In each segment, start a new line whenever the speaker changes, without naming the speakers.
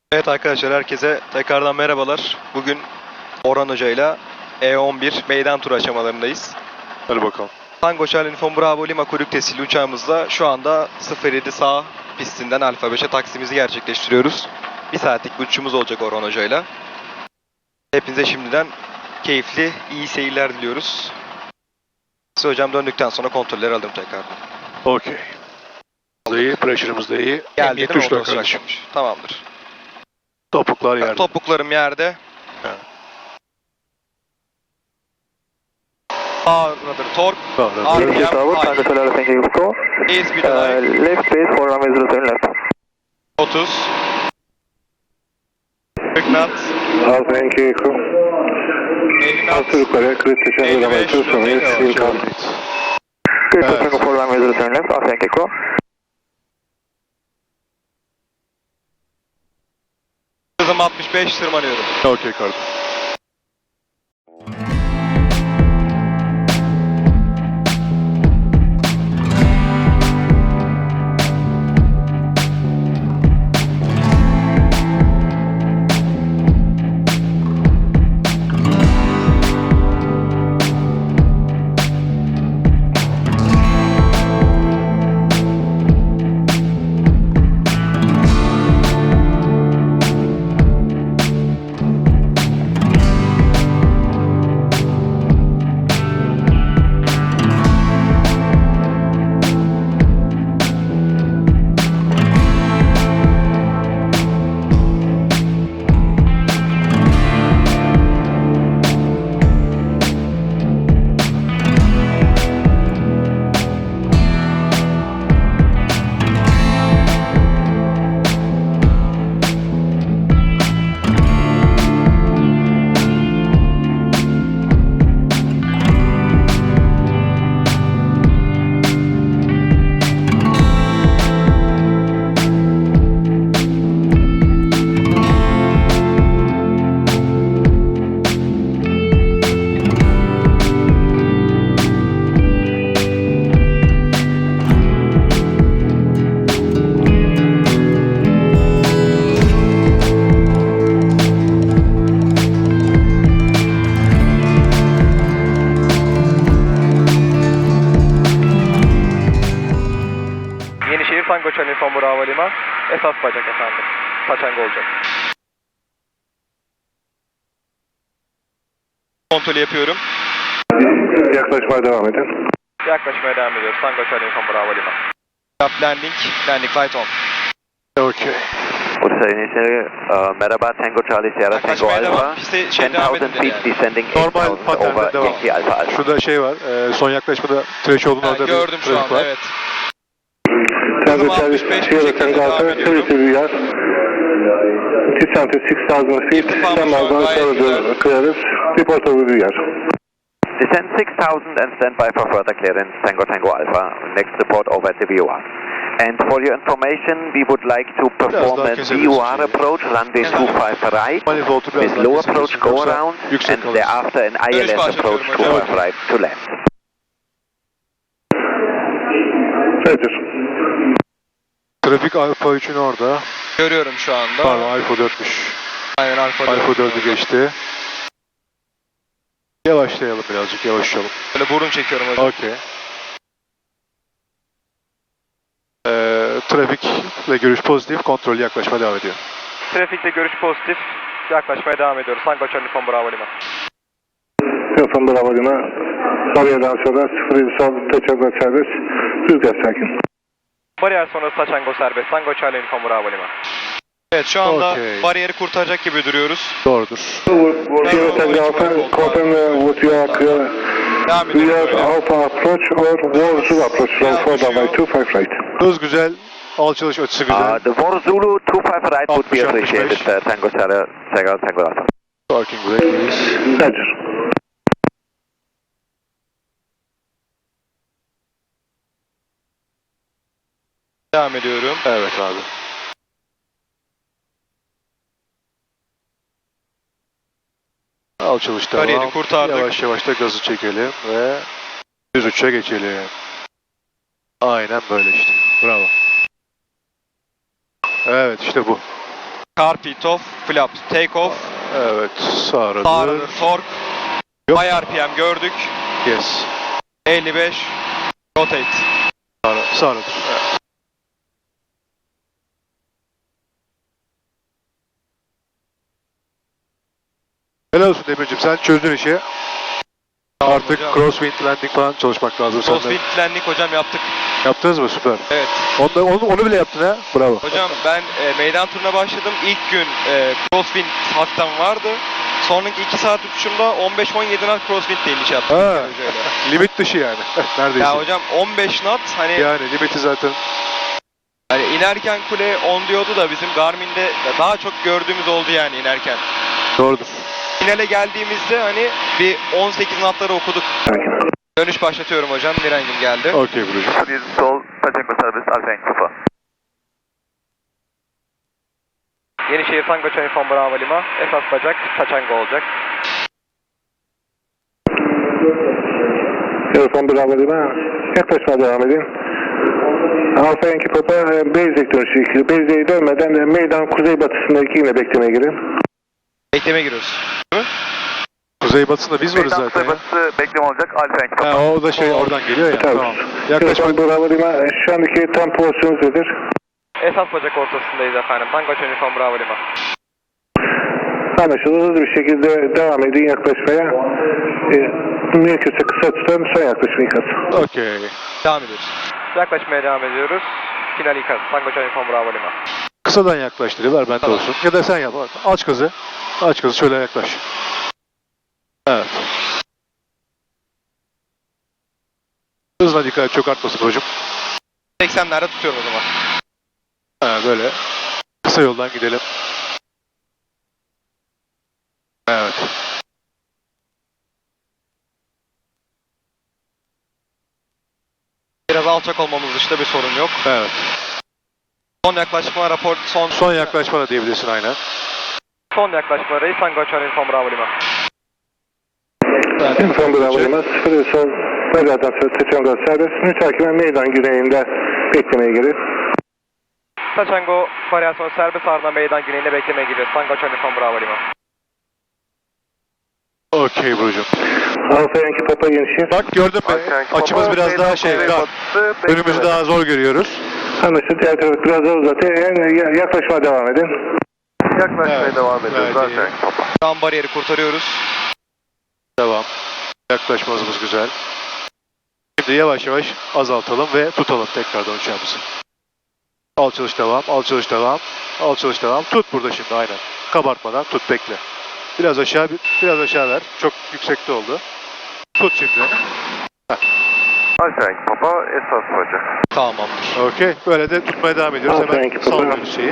Evet arkadaşlar, herkese tekrardan merhabalar. Bugün Orhan Hoca ile E11 meydan turu aşamalarındayız.
Hadi bakalım.
Tango Charlie Uniform Bravo Lima kuyruk tesisli uçağımızla şu anda 07 sağ pistinden Alfa 5'e taksimizi gerçekleştiriyoruz. Bir saatlik bir uçuşumuz olacak Orhan Hoca ile. Hepinize şimdiden keyifli, iyi seyirler diliyoruz. Size hocam döndükten sonra kontrolleri alırım tekrardan.
Okey. İyi, pressure'ımız da iyi.
Geldi değil mi?
Tuşlar
Otobüs
kardeşim.
açmış. Tamamdır.
Topuklar yerde.
Topuklarım yerde.
Evet.
Ağırladır tork.
Ağırladır.
RPM high. Airspeed high.
Left base for runway 07 left.
30. 40 knot.
Thank you.
50 knot.
Altı yukarı, kritik
55,
şarjı sonra
yavaş,
will come. Good,
Evet.
Tango for runway 07 left. Thank you.
Hızım 65, tırmanıyorum.
Okey kardeşim.
Yenişehir Tango Charlie Uniform Bravo Lima. Esas bacak efendim. Paçanga olacak. Kontrolü yapıyorum.
Yaklaşmaya devam edin.
Yaklaşmaya devam ediyoruz. Tango Charlie Uniform Bravo Lima. Landing. Landing light on.
Okey.
Bursa Yenişehir, merhaba Tango Charlie Sierra Tango
Yaklaşmaya devam.
Alpha.
Piste devam
10,000
edin
feet
yani.
descending
Normal
8,000
paternde
over
devam.
Yankee Alpha Alpha.
Şurada şey var. Son yaklaşmada threshold'un orada bir
Gördüm şu
trafik
anda,
var.
evet.
Tango
Hızım
Charlie
65 bu
Sierra
şekilde
Tango
devam
Alpha,
ediyorum.
32 yard. Descent to 6,000 feet.
İrtifamız
Some
var,
are
gayet güzel.
going clearance. Report over the yard.
Descend 6,000 and stand by for further clearance Tango Tango Alpha. Next report over at the VOR. And for your information, we would like to perform
daha
a
kesebiliriz
VOR
şeyi.
approach, runway 25 right,
Manifold'u biraz
with
daha
low
kesebiliriz.
approach go
Yoksa
around,
yüksek
and
kalırız.
thereafter an
Dönüş
ILS approach
başlatıyorum hocam.
25 right to land.
Roger.
Trafik Alfa 3'ün orada.
Görüyorum şu anda.
Pardon Alfa 4'müş.
Aynen Alfa 4.
Alfa 4'ü geçti. Yavaşlayalım birazcık, yavaşlayalım.
Böyle burun çekiyorum hocam.
Okey. Trafikle görüş pozitif, kontrol yaklaşma devam ediyor.
Trafikte görüş pozitif. Yaklaşmaya devam ediyoruz. Tango Charlie Uniform Bravo Lima.
Uniform Bravo Lima. Bariyerden sonra 07 sol teçhizat serbest. Rüzgar sakin.
Bariyer sonrası Taçango serbest. Tango Charlie Uniform Bravo Lima. Evet, şu anda
Okey.
bariyeri kurtaracak gibi duruyoruz.
Doğrudur.
Sierra Tango Alpha, confirm what you are clear.
Devam
We
ediyoruz.
have
böyle.
Alpha approach or War approach from 4 runway 25 right.
Hız güzel, alçalış açısı güzel.
The War Zulu 25 right would be
60,
appreciated,
65.
Tango Sierra Tango Alpha.
Parking brake iyiyiz.
Roger.
Devam ediyorum.
Evet abi. Alçalış devam.
Bariyeri kurtardık.
Yavaş yavaş da gazı çekelim ve düz uça geçelim. Aynen böyle işte. Bravo. Evet işte bu.
Carpet off, flap, take off,
Evet. Sağ
sağ
rudder.
rudder, torque,
Yok.
high RPM gördük,
Yes.
55, rotate.
Sağ rudder. Evet. Helal olsun Demircim, sen çözdün işi.
Tamam
Artık
hocam.
crosswind landing falan çalışmak lazım senden.
Crosswind landing hocam yaptık.
Yaptınız mı? Süper.
Evet.
Onu bile yaptın ha. Bravo.
Hocam ben meydan turuna başladım. İlk gün crosswind haktan vardı. Sonraki 2 saat uçuşumda 15-17 knot crosswind ile iniş yaptım.
Ha.
İlker hocayla.
Limit dışı yani. Neredeyse.
Ya hocam 15 knot hani
Yani limiti zaten.
hani inerken kule 10 diyordu da bizim Garmin'de daha çok gördüğümüz oldu yani inerken.
Doğrudur.
Finale geldiğimizde hani bir 18 knotları okuduk. Dönüş başlatıyorum hocam. Mirengim geldi.
Okey Burcu'cum.
Please install Taçango service Alfa Yankee Papa.
Yenişehir Tango Çanifon Bravo Lima. Esas bacak Taçango olacak.
Telefon Bravo Lima. Yaklaşma devam edin. Alfa Yankee Papa Beyzek dönüşü ikili. Beyzek'e dönmeden meydan kuzeybatısındaki yine beklemeye girin.
Bekleme giriyoruz.
Kuzeybatısında biz varız
Meydan
zaten ya.
kuzeybatısı bekleme olacak Alfa Yankee Papa.
Ha, o da şey oradan geliyor ya. Tamam.
Yaklaşma
Yaklaşma.
Bravo Lima. Şu andaki tam pozisyonunuz nedir?
Esas bacak ortasındayız efendim. Tango Çanifon Bravo Lima.
Anlaşıldı. Hızlı bir şekilde devam edin yaklaşmaya. Mümkünse kısa tutun. Son yaklaşma ikaz.
Okey.
Devam ediyoruz. Yaklaşmaya devam ediyoruz. Final ikaz. Tango Çanifon Bravo Lima.
Kısadan yaklaştırıyorlar bende
Tamam.
olsun. Ya da sen yap. Aç kızı. Aç kızı şöyle yaklaş. Evet. Hızına dikkat et, çok artmasın hocam.
80'lerde tutuyorum o zaman.
Ha, böyle. Kısa yoldan gidelim. Evet.
Biraz alçak olmamız dışında bir sorun yok.
Evet.
Son yaklaşma rapor
Son yaklaşma da diyebilirsin aynen.
son yaklaşma reis Tango Çanifon Bravo Lima.
Telefon Bravo Lima. 0 sol. Bacaktan sonra Taçango serbest. Mütakiben meydan güneyinde beklemeye girin.
Taçango varyasyon serbest ardından meydan güneyine beklemeye giriyoruz. Tango Çanifon Bravo Lima.
Okey Burcu'cum.
Alfa Yankee Papa Yenişehir.
Bak gördün mü? Açımız biraz daha dar. Önümüzü daha zor görüyoruz.
Anlaşıldı. Diğer tarafı biraz daha uzatın. Yaklaşmaya devam edin.
Yaklaşmaya
Evet.
devam ediyoruz
Gayet
Alfa
iyi.
Yankee Papa.
Tam bariyeri kurtarıyoruz.
Devam. Yaklaşmamız güzel. Şimdi yavaş yavaş azaltalım ve tutalım tekrardan uçağımızı. Al çalış devam, al çalış devam, al çalış devam. Tut burada şimdi aynen. Kabartmadan tut, bekle. Biraz aşağı, biraz aşağı ver. Çok yüksekte oldu. Tut şimdi.
Alfa Yankee Papa esas bacak.
Tamamdır.
Okey. Böyle de tutmaya devam ediyoruz.
Alfa
Hemen
Yankee
sallıyoruz şeyi.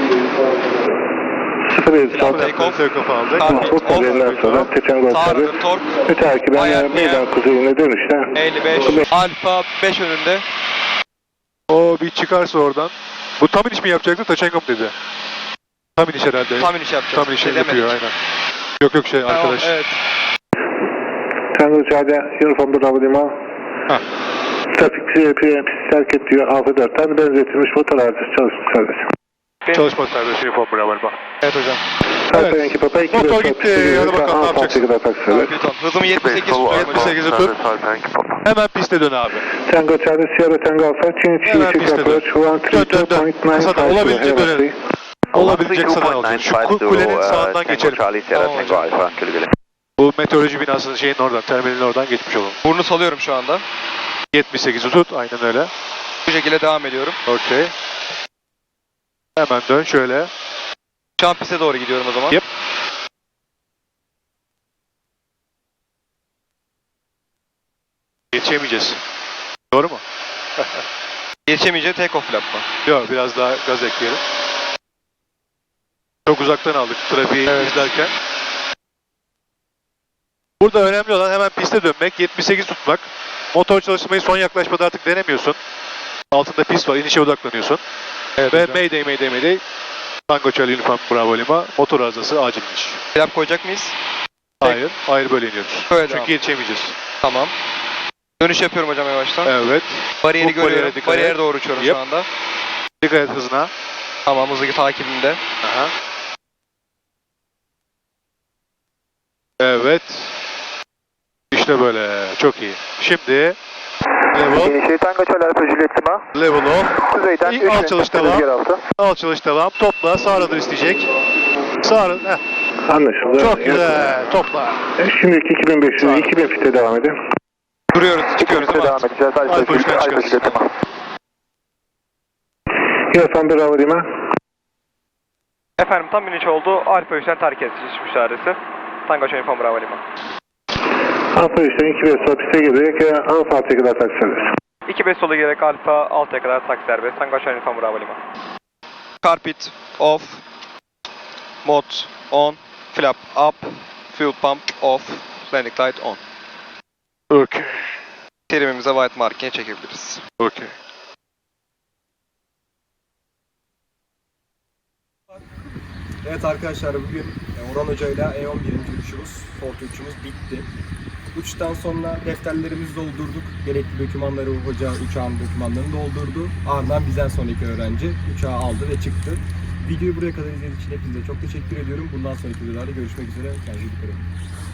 0 sol.
Take off.
Take off aldık.
Carpet
Bu kadarından sonra Taçango
Sağ
serbest.
rudder torque
Mütakiben meydan kuzeyine dönüşte.
55. Alfa 5 önünde.
O bir çıkarsa oradan. Bu tam iniş mi yapacaktı? Taçango mu dedi? Tam iniş herhalde.
Tam iniş yapacağız.
Tam iniş
Şey
yapıyor
demedik.
aynen. Yok şey
Tamam,
arkadaş.
evet.
Tango uçağda uniform Bravo Lima.
Hah.
Trafik pist terk et diyor. Alfa 4'ten benzetilmiş motor arızası çalışmış serbest.
Çalışma serbest uniform bravo.
Evet hocam.
Alfa Yankee Papa 2
Motor gitti. Hadi bakalım ne yapacaksın?
yapacaksın?
Hızımı 78
Sol
tutuyorum hocam.
78'i tut.
Alfa Yankee Papa.
Hemen piste dön abi.
Tango uçağda Sierra Tango Alfa.
Hemen piste dön. Dön, dön. Kısadan olabildiğince dönelim. Olabilecek sana olsun. Şu kulenin sağından geçelim.
Charlie Sierra
Tamam
Tango
hocam.
Alfa. Güle güle.
Bu meteoroloji binasının şeyin oradan, terminalin oradan geçmiş olalım.
Burnu salıyorum şu anda.
78'i tut. Aynen öyle.
Bu şekilde devam ediyorum.
Okey. Hemen dön şöyle.
Şu an piste doğru gidiyorum o zaman.
Yep. Yetişemeyeceğiz. Doğru mu?
Geçemeyeceği take off flap mı?
Yok, biraz daha gaz ekleyelim. Çok uzaktan aldık trafiği izlerken. Burada önemli olan hemen piste dönmek, 78 tutmak. Motor çalışmayı son yaklaşmada artık denemiyorsun. Altında pist var, inişe odaklanıyorsun.
Evet
Ve
hocam.
Mayday. Tango Charlie Uniform Bravo Lima, motor arızası acil iniş.
Flap koyacak mıyız?
Hayır böyle iniyoruz.
Böyle
Çünkü
devam.
yetişemeyeceğiz.
Tamam. Dönüş yapıyorum hocam yavaştan.
Evet.
Bariyeri
Bu bariyere
görüyorum.
dikkat
Bariyere
et.
doğru uçuyorum
Yep.
şu anda.
Dikkat et hızına.
Tamam hızlı takibimde.
Aha. Evet. İşte böyle. Çok iyi. Şimdi level,
Initiate Tango Charlie Alpha Juliet Lima.
level off.
Kuzeyden
İlk alçalış devam. Alçalış devam. Topla. Sağ radar isteyecek. Sağ radar.
Anlaşıldı.
Çok güzel. Topla.
Şimdilik 2500, 2000 fite devam edin.
Duruyoruz, çıkıyoruz değil mi?
Devam edeceğiz.
Alfa üçten çıkarız.
Juliet Lima.
Yasan Bravo Lima.
Efendim tam iniş oldu. Alfa 3'ten terk ediş müşahresi. Tango Uniform Bravo Lima.
Alfa 3'ten 2 sol piste girerek Alfa 6'ya kadar taksi serbest.
2-5 sola girerek Alfa 6'ya kadar taksi serbest. Tango Uniform Bravo Lima. Carpet off. Mod on. Flap up. Fuel pump off. Landing light on.
Okey.
Terimimize white markine çekebiliriz.
Okey.
Evet arkadaşlar, bugün Orhan Hoca ile E11. uçuşumuz, Fortu uçuşumuz bitti. Uçuştan sonra defterlerimizi doldurduk. Gerekli dokümanları hoca uçağın dokümanlarını doldurdu. Ardından bizden sonraki öğrenci uçağı aldı ve çıktı. Videoyu buraya kadar izlediğiniz için hepinize çok teşekkür ediyorum. Bundan sonraki videolarda görüşmek üzere. Kendinize dikkat edin.